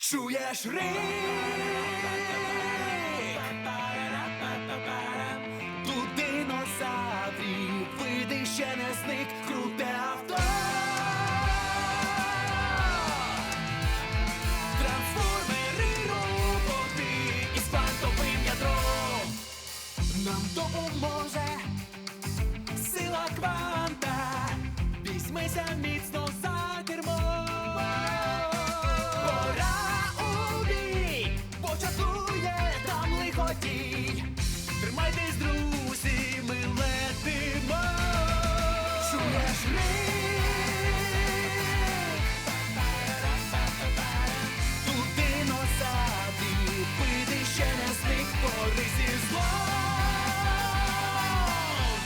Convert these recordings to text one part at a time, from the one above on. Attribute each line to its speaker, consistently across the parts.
Speaker 1: Чуєш рик? Тут динозаврів, види ще не зник, круте авто. Трансформери роботи із квантовим ядром. Нам допоможе сила кванта. Візьмися міцно за кермо. Тримайтесь, друзі, ми летимо. Чуєш рик? Тут динозаврів, види ще не зник, бори зі злом.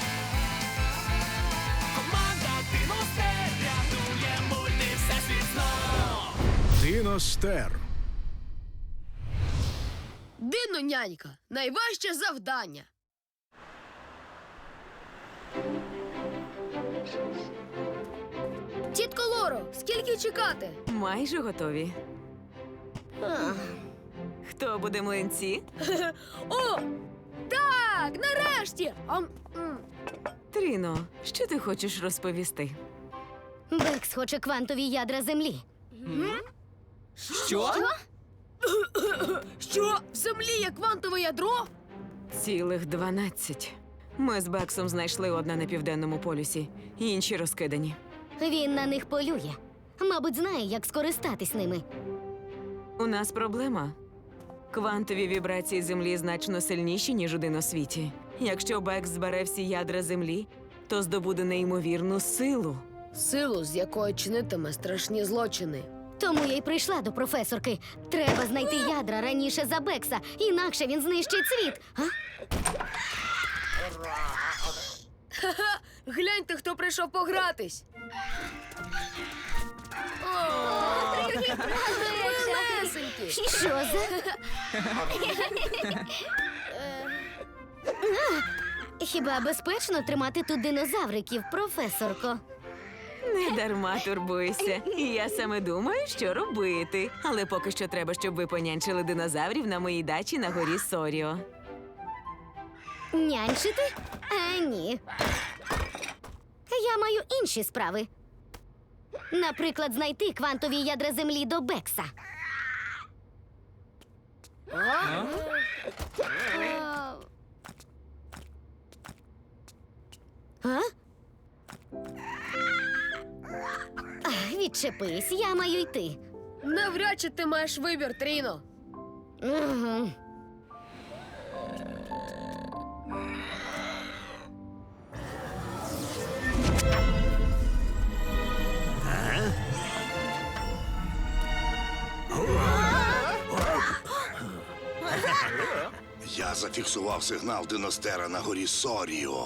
Speaker 1: Команда Диностер рятує мульти всесвіт знов.
Speaker 2: Диностер.
Speaker 3: Дино-нянька. Найважче завдання. Тітко Лоро, скільки чекати?
Speaker 4: Майже готові. Хто буде млинці?
Speaker 3: О! Так, нарешті!
Speaker 4: Тріно, що ти хочеш розповісти?
Speaker 5: Бекс хоче квантові ядра Землі.
Speaker 3: Що? Що? В землі є квантове ядро?
Speaker 4: Цілих 12. Ми з Бексом знайшли одне на південному полюсі, інші розкидані.
Speaker 5: Він на них полює. Мабуть, знає, як скористатись ними.
Speaker 4: У нас проблема. Квантові вібрації Землі значно сильніші, ніж у диносвіті. Якщо Бекс збере всі ядра Землі, то здобуде неймовірну силу.
Speaker 3: Силу, з якої чинитиме страшні злочини.
Speaker 5: Тому я й прийшла до професорки. Треба знайти ядра раніше за Бекса, інакше він знищить світ. А?
Speaker 3: Гляньте, хто прийшов погратись. Малесенький.
Speaker 5: Що за? Хіба безпечно тримати тут динозавриків, професорко?
Speaker 4: Не дарма турбуйся. Я саме думаю, що робити. Але поки що треба, щоб ви понянчили динозаврів на моїй дачі на горі Соріо.
Speaker 5: Нянчити? А ні. Я маю інші справи. Наприклад, знайти квантові ядра Землі до Бекса. А? Відчепись, я маю йти.
Speaker 3: Навряд чи ти маєш вибір, Тріно.
Speaker 5: Угу.
Speaker 6: Я зафіксував сигнал Диностера на горі Соріо.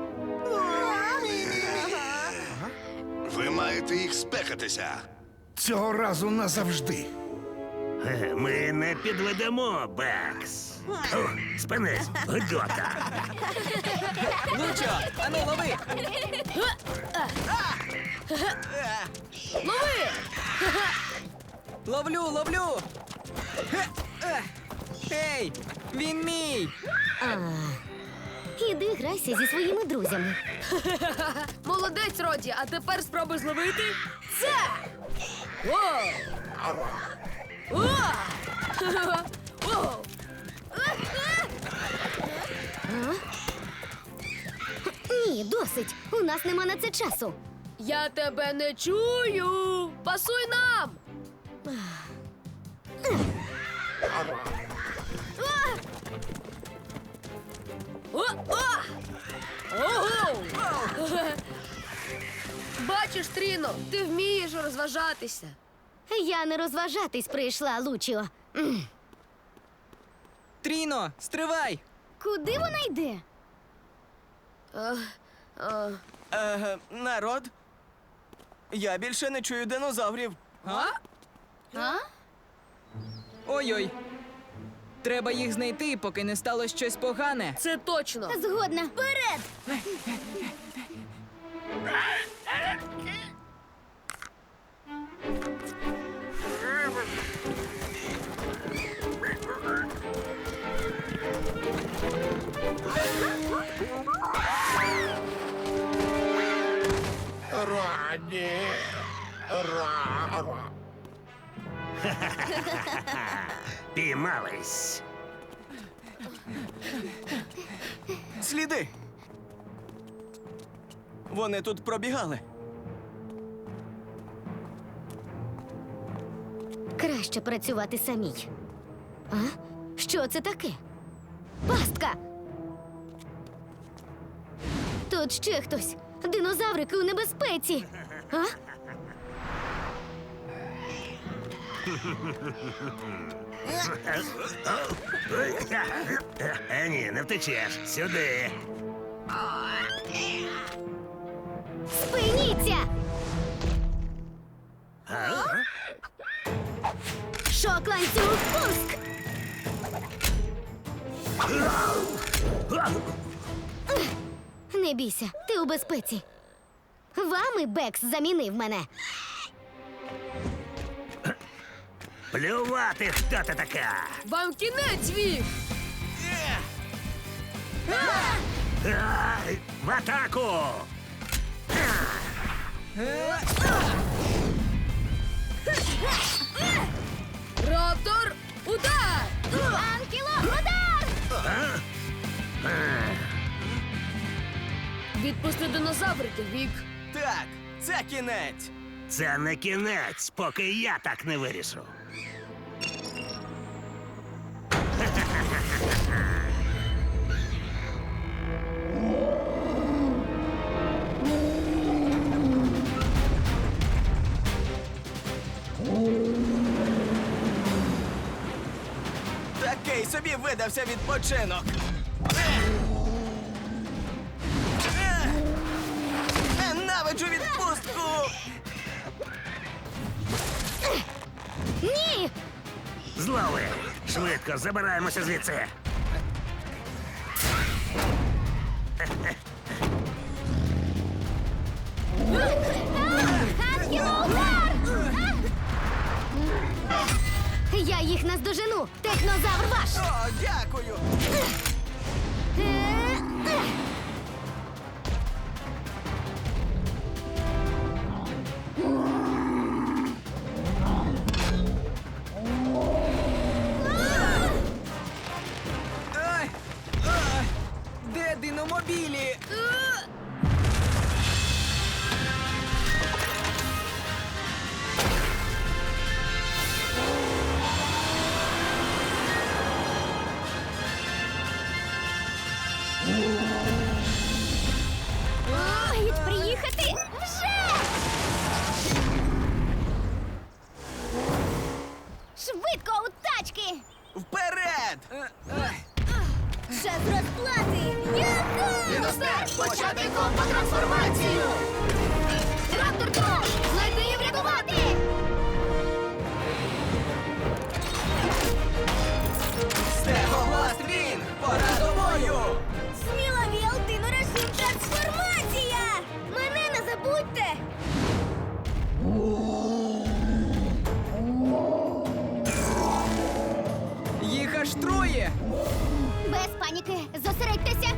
Speaker 6: Ви маєте їх спекатися.
Speaker 2: Цього разу назавжди.
Speaker 7: Ми не підведемо, Бекс. Спинись, гидота.
Speaker 8: Лучо, ану, лови!
Speaker 3: Лови!
Speaker 8: Ловлю! Ей, він мій!
Speaker 5: Іди грайся зі своїми друзями.
Speaker 3: Молодець, Роді, а тепер спробуй зловити це! О! О! О!
Speaker 5: Ні, досить. У нас нема на це часу.
Speaker 3: Я тебе не чую! Пасуй нам! Ого! Бачиш, Тріно, ти вмієш розважатися.
Speaker 5: Я не розважатись прийшла, Лучіо.
Speaker 8: Тріно, стривай!
Speaker 5: Куди вона йде?
Speaker 8: Народ, я більше не чую динозаврів.
Speaker 5: А?
Speaker 8: Ой-ой. Треба їх знайти, поки не стало щось погане.
Speaker 3: Це точно.
Speaker 5: Згодна. Вперед!
Speaker 7: Піймались.
Speaker 9: Сліди! Вони тут пробігали.
Speaker 5: Краще працювати самій. А? Що це таке? Пастка! Тут ще хтось. Динозаврики у небезпеці. А?
Speaker 7: Ні, не втечеш. Сюди.
Speaker 5: Спиніться! Шок ланцюг пуск! Не бійся, ти у безпеці. Вами Бекс замінив мене.
Speaker 7: Плювати, хто ти така.
Speaker 3: Вам кінець, Вік!
Speaker 7: Ай, в атаку!
Speaker 3: Раптор, удар!
Speaker 5: Анкіло, удар!
Speaker 3: Відпусти динозаврики, Вік.
Speaker 9: Так, це кінець.
Speaker 7: Це не кінець, поки я так не вирішу.
Speaker 9: Такий собі видався відпочинок. Ненавиджу відпустку!
Speaker 5: Ні!
Speaker 7: Злови! Швидко забираємося звідси.
Speaker 5: Анкіло, удар! Я їх наздожену! Технозавр ваш!
Speaker 9: О, дякую! Ай! Ай! Де диномобілі?
Speaker 5: Мають приїхати вже! Швидко у тачки!
Speaker 9: Вперед!
Speaker 5: Час розплати!
Speaker 3: Диностер, почати компотрансформацію!
Speaker 5: Раптор Трон! Знайти і врятувати!
Speaker 9: Стегобласт він! Пора до бою!
Speaker 5: Сміловіл, динорежим трансформація! Мене не забудьте!
Speaker 8: Їх аж троє!
Speaker 5: Без паніки, зосередьтеся!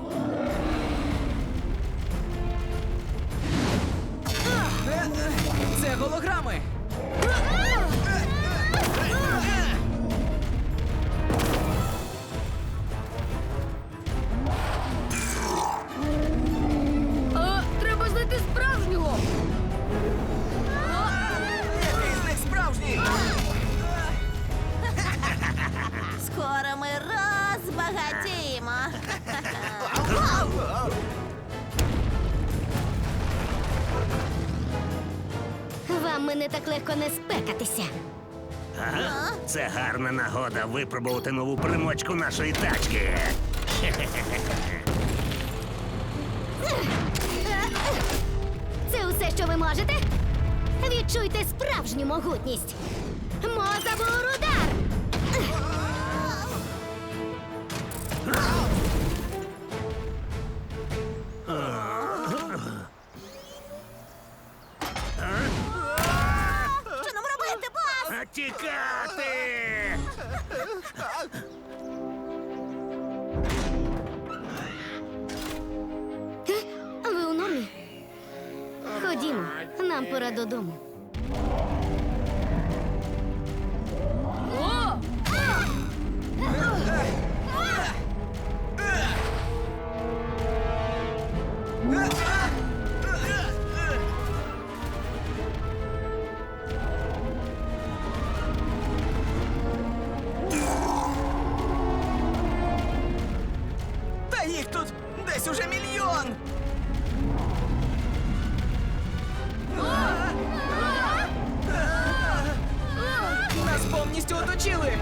Speaker 8: Це голограми!
Speaker 3: А, треба знайти справжнього!
Speaker 9: Який з них справжній?
Speaker 5: Скоро ми розбагатіємо! Вам мене так легко не спекатися.
Speaker 7: Ага. Це гарна нагода випробувати нову примочку нашої тачки.
Speaker 5: Це усе, що ви можете? Відчуйте справжню могутність. Мозабур удар! Що нам робити, бос?
Speaker 7: Тікати!
Speaker 5: Ходімо, нам пора додому.
Speaker 3: О!
Speaker 9: Та їх тут десь уже мільйон! Нас повністю оточили!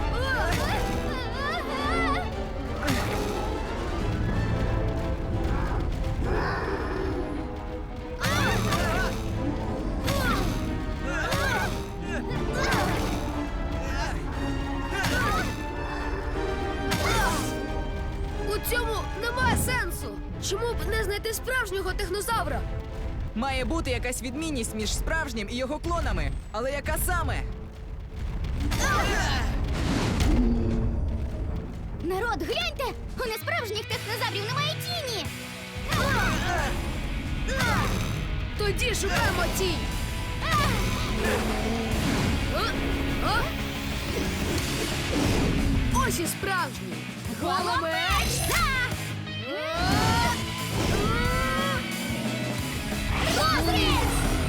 Speaker 3: У цьому немає сенсу. Чому б не знайти справжнього технозавра?
Speaker 8: Має бути якась відмінність між справжнім і його клонами. Але яка саме?
Speaker 5: Народ, гляньте! У несправжніх технозаврів немає тіні!
Speaker 3: Тоді шукаємо тінь. А? Ось і справжній. Голомеч!
Speaker 5: Розріз!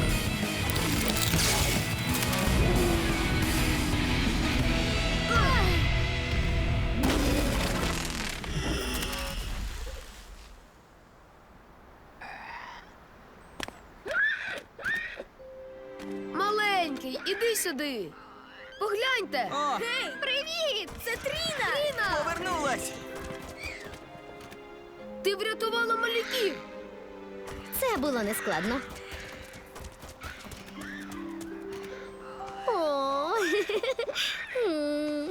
Speaker 3: Маленький, іди сюди. Погляньте.
Speaker 8: О,
Speaker 5: Привіт! Це Тріна!
Speaker 3: Тріна,
Speaker 9: Повернулась!
Speaker 3: ти врятувала малюків.
Speaker 5: Це було нескладно. О, м.